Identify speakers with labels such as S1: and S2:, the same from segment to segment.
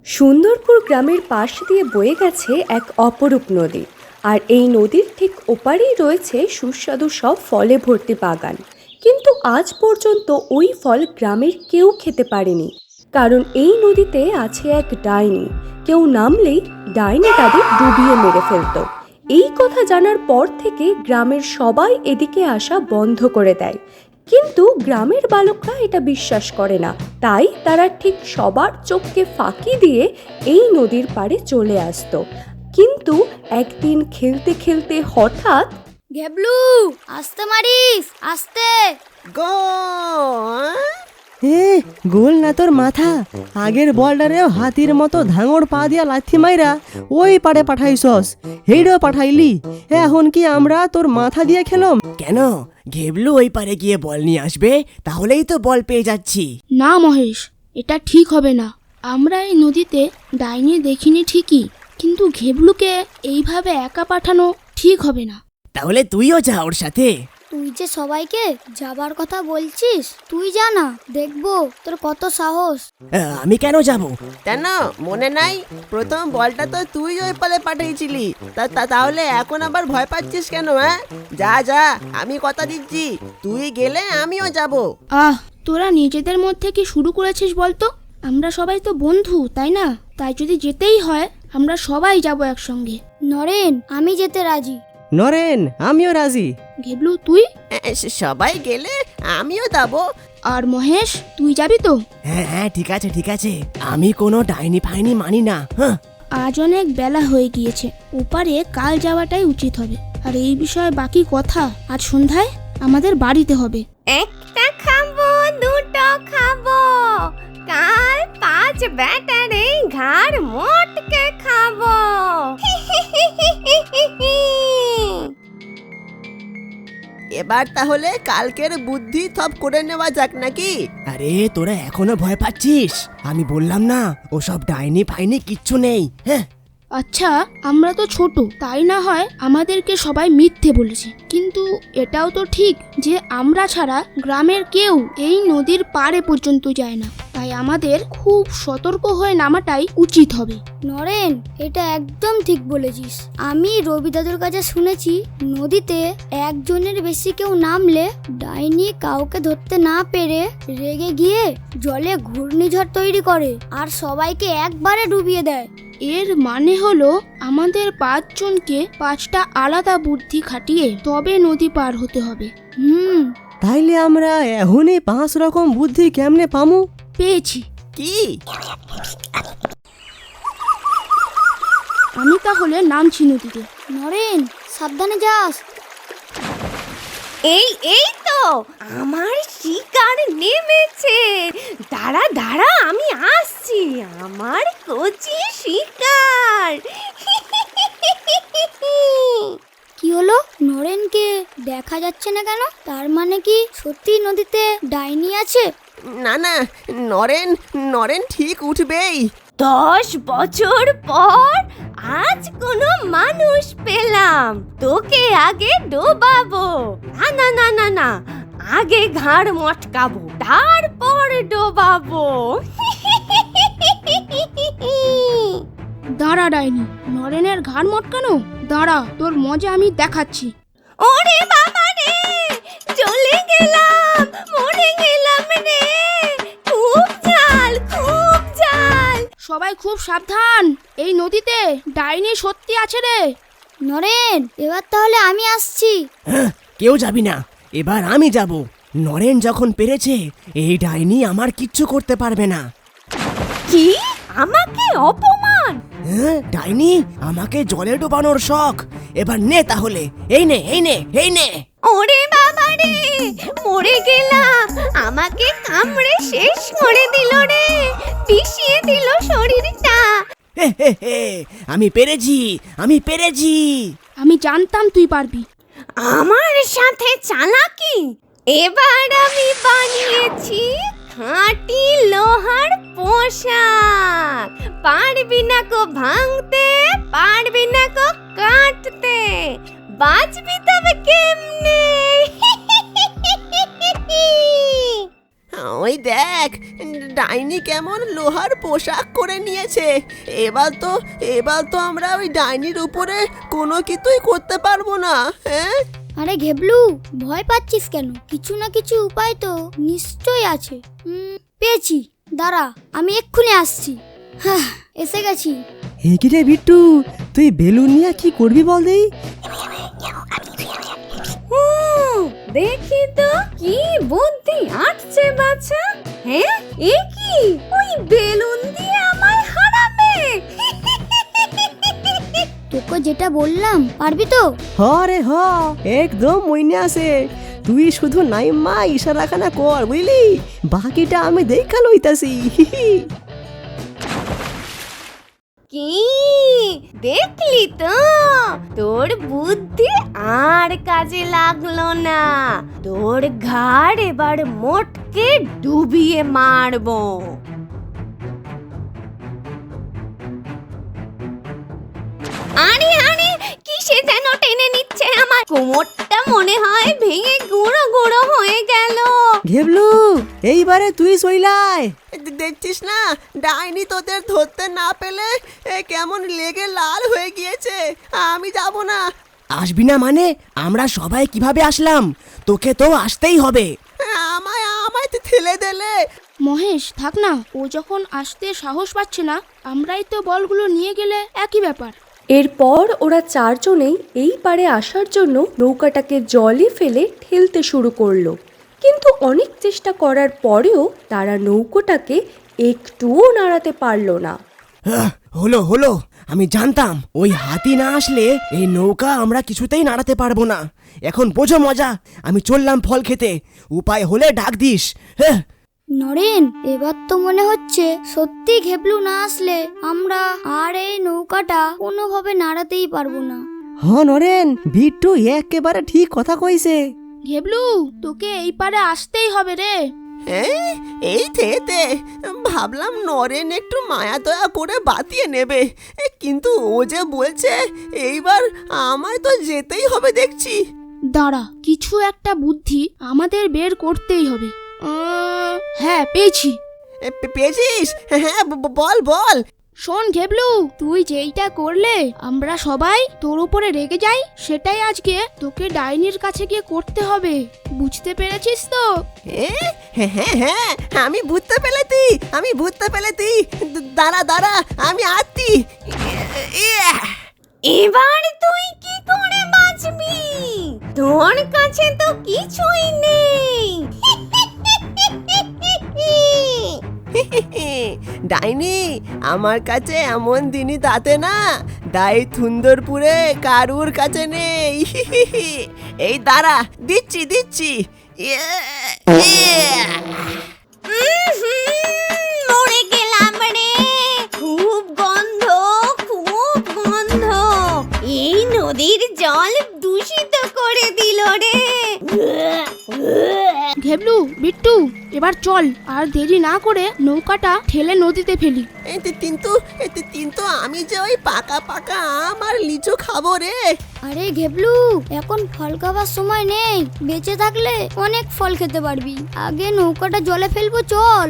S1: সুন্দরপুর গ্রামের পাশ দিয়ে বয়ে গেছে এক অপরূপ নদী। আর এই নদীর ঠিক ওপারেই রয়েছে সুস্বাদু সব ফলে ভর্তি বাগান। কিন্তু আজ পর্যন্ত ওই ফল গ্রামের কেউ খেতে পারেনি, কারণ এই নদীতে আছে এক ডাইনি। কেউ নামলেই ডাইনি তাদের ডুবিয়ে মেরে ফেলতো। এই কথা জানার পর থেকে গ্রামের সবাই এদিকে আসা বন্ধ করে দেয়। কিন্তু গ্রামের বালকরা এটা বিশ্বাস করে না, তাই তারা ঠিক সবার চোখকে ফাঁকি দিয়ে এই নদীর পাড়ে চলে আসতো। কিন্তু একদিন খেলতে খেলতে হঠাৎ,
S2: ঘেবলু, আস্তে মারিস, আস্তে।
S3: গোল না তোর মাথা, আগের বলটারেও হাতির মতো ধাঙড় পা দিয়া লাথি মাইরা ওই পাড়ে পাঠাইছস, হেইডও পাঠাইলি। এখন কি আমরা তোর মাথা দিয়ে খেলম?
S4: কেন? ঘেবলু ওই পারে গিয়ে বল নিয়ে আসবে, তাহলেই তো বল পেয়ে যাচ্ছি।
S5: না মহেশ, এটা ঠিক হবে না। আমরা এই নদীতে ডাইনি দেখিনি ঠিকই, কিন্তু ঘেবলুকে এইভাবে একা পাঠানো ঠিক হবে না।
S4: তাহলে তুইও যা ওর সাথে।
S2: তুই যে সবাইকে যাবার কথা বলছিস, তুই জানা, দেখবো তোর কত সাহস।
S4: আমি কেন যাব?
S6: কেন মনে নাই? প্রথম বলটা তো তুই ওই পালে পাঠিয়েছিলি। তাহলে এখন আবার ভয় পাচ্ছিস কেন? যা যা, আমি কথা দিচ্ছি, তুই গেলে আমিও যাব।
S5: তোরা নিজেদের মধ্যে কি শুরু করেছিস বলতো? আমরা সবাই তো বন্ধু, তাই না? তাই যদি যেতেই হয় আমরা সবাই যাব একসঙ্গে।
S2: নরেন, আমি যেতে রাজি।
S3: নরেন, আমিও রাজি।
S5: ঘেবলু তুই?
S6: সবাই গেলে আমিও যাব।
S5: আর মহেশ, তুই যাবি তো?
S4: হ্যাঁ হ্যাঁ, ঠিক আছে ঠিক আছে, আমি কোনো ডাইনি ফাইনি মানি না। হ্যাঁ,
S5: আজ অনেক বেলা হয়ে গিয়েছে, ওপারে কাল যাওয়াটাই উচিত হবে। আর এই বিষয়ে বাকি কথা আজ সন্ধ্যায় আমাদের বাড়িতে হবে।
S7: একটা খাবো, দুটো খাবো, কাল 5 ব্যাটারে ঘাড় মোটকে খাবো।
S6: এবার তাহলে কালকের বুদ্ধি থপ করে নেওয়া যাক নাকি?
S4: আরে তোরা এখনো ভয় পাচ্ছিস? আমি বললাম না, ওসব ডাইনি ফাইনি কিচ্ছু নেই। হ্যাঁ,
S5: আচ্ছা, আমরা তো ছোট, তাই না হয় আমাদেরকে সবাই মিথ্যে বলেছে, কিন্তু এটাও তো ঠিক যে আমরা ছাড়া গ্রামের কেউ এই নদীর পাড়ে পর্যন্ত যায় না। তাই আমাদের খুব সতর্ক হয়ে নামাটাই উচিত হবে।
S2: নরেন, এটা একদম ঠিক বলেছিস। আমি রবি দাদুর কাছে শুনেছি, নদীতে একজনের বেশি কেউ নামলে ডাইনি কাউকে ধরতে না পেরে রেগে গিয়ে জলে ঘূর্ণিঝড় তৈরি করে আর সবাইকে একবারে ডুবিয়ে দেয়।
S5: এর মানে হলো আমাদের 5 জনকে 5টা আলাদা বুদ্ধি খাটিয়ে তবে নদী পার হতে হবে।
S3: তাইলে আমরা এখনই 5 রকম বুদ্ধি কেমনে পামু?
S5: পেয়েছি।
S6: কি?
S5: আমি তাহলে নামছি নদীতে।
S2: নরেন, সাবধানে যাস।
S7: এই তো আমার শিকার নেমেছে। দাঁড়া দাঁড়া, আমি আসছি, আমার কচি শিকার।
S2: কি হলো? নরেনকে দেখা যাচ্ছে না কেন? তার মানে কি সত্যি নদীতে ডাইনি আছে?
S6: না না, নরেন নরেন ঠিক উঠবেই।
S7: 10 বছর পর আজ কোনো মানুষ পেলাম। তোকে আগে ডোবাবো। না না না না না, আগে ঘাড় মটকাবো, তারপর ডোবাবো।
S5: দাঁড়া ডাইনি, নরেনের ঘাড় মটকানো? দাঁড়া, তোর মজা আমি দেখাচ্ছি।
S7: ওরে বাবা রে, চলে গেলাম, মরে গেলাম রে, খুব ঝাল, খুব ঝাল।
S5: সবাই খুব সাবধান, এই নদীতে ডাইনি সত্যি আছে রে।
S2: নরেন, এবার তাহলে আমি আসছি।
S4: কেউ যাবি না, এবার আমি যাব। নরেন যখন পেরেছে, এই ডাইনি আমার কিচ্ছু করতে পারবে না।
S7: কি? আমাকে অপমান?
S4: হ্যাঁ, ডাইনি আমাকে জলে ডোবানোর শখ। এবার নে তাহলে, এই নে এই নে এই নে।
S7: ওরে বাবা রে, মরে গেলাম, আমাকে কামড়ে শেষ করে দিল রে, পিষিয়ে দিল শরীরটা।
S4: হে হে হে, আমি পেরেছি আমি পেরেছি।
S5: আমি জানতাম তুই পারবি।
S7: আমার সাথে চালাকি? এবার আমি বানিয়েছি খাঁটি লোহার পোশাক। পারবি না কো ভাঙতে, পারবি না কো কাটতে, বাঁচবি তবে কেমনে?
S6: ওই দেখ, ডাইনি কেমন লোহার পোশাক করে নিয়েছে। এবার তো আমরা ওই ডাইনির উপরে কোনো কিছুই করতে পারবো না। হ্যাঁ,
S2: আরে ঘেবলু, ভয় পাচ্ছিস কেন? কিছু না কিছু উপায় তো নিশ্চয়ই আছে। পেয়েছি, দাঁড়া, আমি এক্ষুনি আসছি। হ্যাঁ, এসে গেছি।
S3: রে বিট্টু, তুই বেলুন নিয়ে কি করবি বল দেই?
S7: দেখি তো কি বুদ্ধি আটছে বাছা। হ্যাঁ, এ কি ওই বেলুন দিয়ে আমায় হারাবে?
S2: তোকে যেটা বললাম, পারবি তো?
S3: হ রে হ, একদম মইনে আছে। তুই শুধু নাইমা ইশারাখানা কর, বুঝলি? বাকিটা আমি দেখা লইতাছি।
S7: কি দেখলি তো, তোর বুদ্ধি আর কাজে লাগলো না। তোর ঘাড় এবার মোটকে ডুবিয়ে মারবো। আরে আরে, কিসে যেন টেনে নিচ্ছে আমার কোমরটা, মনে হয় ভেঙে গুঁড়ো গুঁড়ো হয়ে গেল।
S3: ঘেবলু, এইবারে তুই সইলাই।
S6: দেখছিস না, ডাইনি তোদের ধরতে না পেলে কেমন লেগে লাল হয়ে গিয়েছে। আমি যাব না।
S4: আসবি না মানে? আমরা সবাই কিভাবে আসলাম? তোকে তো আসতেই হবে।
S6: আমায় তো ঠেলে দিলে।
S5: মহেশ, থাক না, ও যখন আসতে সাহস পাচ্ছে না, আমরাই তো বলগুলো নিয়ে গেলে একই ব্যাপার।
S1: এরপর ওরা চারজনেই এই পারে আসার জন্য নৌকাটাকে জলে ফেলে ঠেলতে শুরু করলো। কিন্তু অনেক চেষ্টা করার পরেও তারা নৌকোটাকে একটুও নাড়াতে পারলো না।
S4: হলো, আমি জানতাম ওই হাতি না আসলে এই নৌকা আমরা কিছুতেই নাড়াতে পারবো না। এখন বোঝো মজা। আমি চললাম ফল খেতে, উপায় হলে ডাক দিস। হ্যাঁ,
S2: নরেন, এবার তো মনে হচ্ছে সত্যি ঘেবলু না আসলে আমরা আর এই নৌকাটা কোনোভাবে নাড়াতেই পারবো না।
S3: হ নরেন, বিট্টু একেবারে ঠিক কথা কইছে।
S5: ঘেবলু, তোকে এই পারে আসতেই হবে রে।
S6: এই থেতে ভাবলাম নরেন একটু মায়া দয়া করে বাতিয়ে নেবে, কিন্তু ও যে বলছে এইবার আমায় তো যেতেই হবে দেখছি।
S5: দাঁড়া, কিছু একটা বুদ্ধি আমাদের বের করতেই হবে। হ্যাঁ, পেয়েছি।
S6: পেয়েছিস? হ্যাঁ, বল।
S5: শোন ঘেবলু, তুই যেইটা করলে আমরা সবাই তোর উপরে রেগে যাই, সেটাই আজকে তোকে ডাইনির কাছে গিয়ে করতে হবে। বুঝতে পেরেছিস তো?
S6: হ্যাঁ, আমি বুঝতে পেলেছি। দাঁড়া, আমি আছি।
S7: এবার তুই কি করে বাঁচবি? তোর কাছে তো কিছুই নেই।
S6: ডাইনি, আমার কাছে এমন দিনই তাতে না, দাই সুন্দরপুরে কারুর কাছে নেই। এই দাঁড়া, দিচ্ছি।
S7: মরে গেলাম রে, খুব গন্ধ। এই নদীর জল দূষিত করে দিল রে।
S5: ঘেবলু, বিট্টু, এবার চল, আর দেরি না করে নৌকাটা ঠেলে নদীতে ফেলি।
S6: কিন্তু আমি যে ওই পাকা আম আর লিচু খাবো রে।
S2: আরে ঘেবলু, এখন ফল খাবার সময় নেই। বেঁচে থাকলে অনেক ফল খেতে পারবি। আগে নৌকাটা জলে ফেলবো, চল।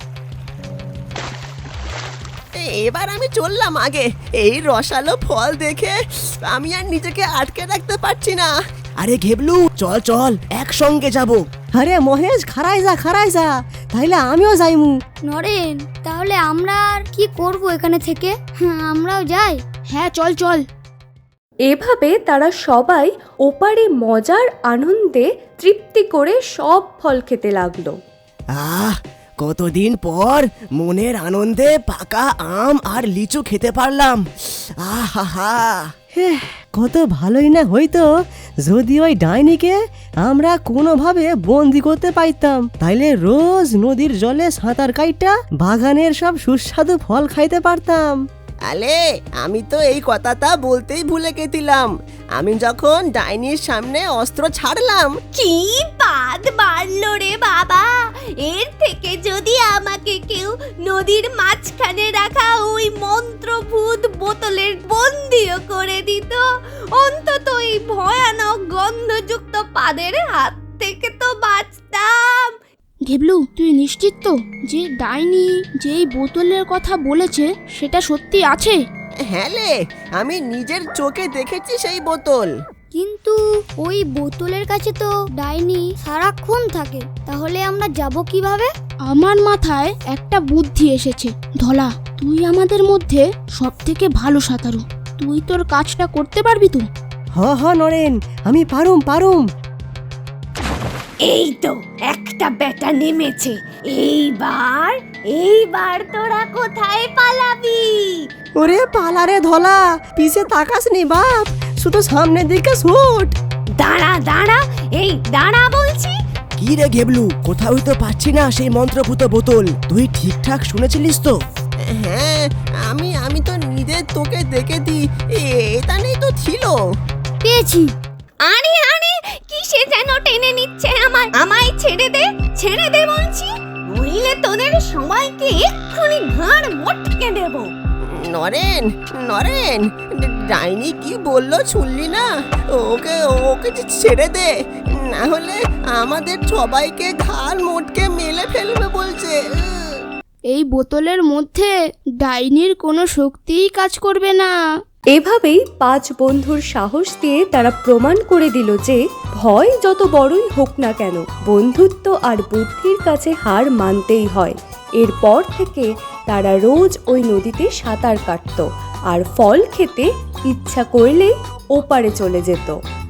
S6: এবার আমি চললাম আগে। এই রসালো ফল দেখে আমি আর নিজেকে আটকে রাখতে পারছি না।
S4: আরে ঘেবলু, চল একসঙ্গে যাব।
S3: আরে মহেশ, খারাই যা, তাইলে আমিও যাইমু।
S2: নরেন, তাহলে আমরা আর কি করব এখানে থেকে? আমরাও যাই।
S5: হ্যাঁ, চল।
S1: এভাবে তারা সবাই ওপারে মজার আনন্দে তৃপ্তি করে সব ফল খেতে লাগলো।
S4: কতদিন পর মনের আনন্দে পাকা আম আর লিচু খেতে পারলাম। আহা,
S3: কত ভালোই না হইতো যদি ওই ডাইনিকে আমরা কোনোভাবে বন্দি করতে পাইতাম। তাইলে রোজ নদীর জলে সাঁতার কাইটা বাগানের সব সুস্বাদু ফল খাইতে পারতাম।
S6: আলে, আমি তো এই কথাটা বলতেই ভুলে গেছিলাম। আমি যখন ডাইনির সামনে অস্ত্র ছাড়লাম,
S7: কি বাদ বাড়লো রে বাবা। এর থেকে যদি আমাকে কেউ নদীর মাঝখানে রাখা ওই মন্ত্রভূত বোতলের বন্দিও করে দিত, অন্তত এই ভয়ানক গন্ধযুক্ত পাদের হাত থেকে তো বাঁচতাম।
S5: ঘেবলু, তুই নিশ্চিত তো যে ডাইনি যেই বোতলের কথা বলেছে সেটা সত্যি আছে?
S6: হ্যাঁ রে, আমি নিজের চোখে দেখেছি সেই বোতল।
S2: কিন্তু ওই বোতলের কাছে তো ডাইনি সারাক্ষণ থাকে, তাহলে আমরা যাব কিভাবে?
S5: আমার মাথায় একটা বুদ্ধি এসেছে। ধলা, তুই আমাদের মধ্যে সব থেকে ভালো সাঁতারু, তুই তোর কাজটা করতে পারবি তো?
S3: হ নরেন, আমি পারুম।
S7: এই তো একটা বেটা নেমেছে। এইবার তোরা কোথায় পালাবি?
S3: ওরে পালারে ধলা, পিছে তাকাস নি বাপ, শুধু সামনের দিকে ছুট।
S7: দাঁড়া, এই দাঁড়া বলছি।
S4: কি রে ঘেবলু, কোথাও তো পাচ্ছি না সেই মন্ত্রভূত বোতল। তুই ঠিকঠাক শুনেছিলিস তো?
S6: হ্যাঁ, আমি তো নিজের তোকে দেখে দি এটা নেই তো ছিল।
S2: পেয়েছি।
S7: আরে কিসে যেন টেনে নিচ্ছে আমায় ছেড়ে দে বলছি, নইলে তোদের সবাইকে এক্ষুনি ঘাড় মটকে দেব।
S6: নরেন, ডাইনি কি বললো শুনলি না? ওকে ছেড়ে দে, না হলে আমাদের সবাইকে ঘাড় মোটকে মেলে ফেলবে বলছে।
S5: এই বোতলের মধ্যে ডাইনির কোনো শক্তিই কাজ করবে না।
S1: এভাবেই 5 বন্ধুর সাহস দিয়ে তারা প্রমাণ করে দিল যে ভয় যত বড়ই হোক না কেন, বন্ধুত্ব আর বুদ্ধির কাছে হার মানতেই হয়। এরপর থেকে তারা রোজ ওই নদীতে সাঁতার কাটতো আর ফল খেতে ইচ্ছা করলেই ওপারে চলে যেত।